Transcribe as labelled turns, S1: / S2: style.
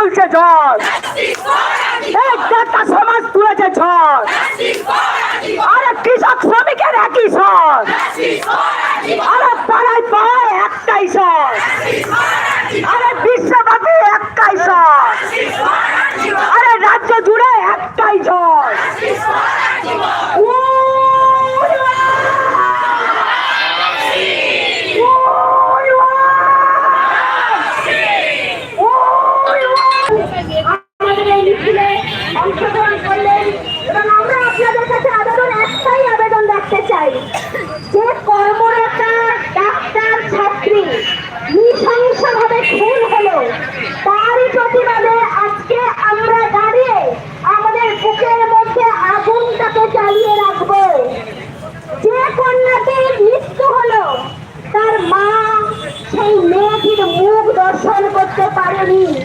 S1: তুলছে ঝড়, এই নেতা সমাজ তুলেছে ঝড়। আরে কৃষক শ্রমিকের একই স্বর, আরে পাড়ায় পাড়ায় একটাই স্বর, আরে বিশ্বব্যাপী একটাই স্বর, আরে রাজ্য জুড়ে একটাই ঝড়।
S2: অংশগ্রহণ করলেন এবং আমরা আপনাদের কাছে একটাই আবেদন রাখতে চাই যে কর্মরতা ডাক্তার ছাত্রী নৃশংসভাবে খুন হলো, তারই প্রতিবাদে আজকে আমরা দাঁড়িয়ে আমাদের বুকের মধ্যে আগুনটাকে জ্বালিয়ে রাখবো। যে কন্যাটির মৃত্যু হলো তার মা সেই মেয়েটির মুখ দর্শন করতে পারেনি।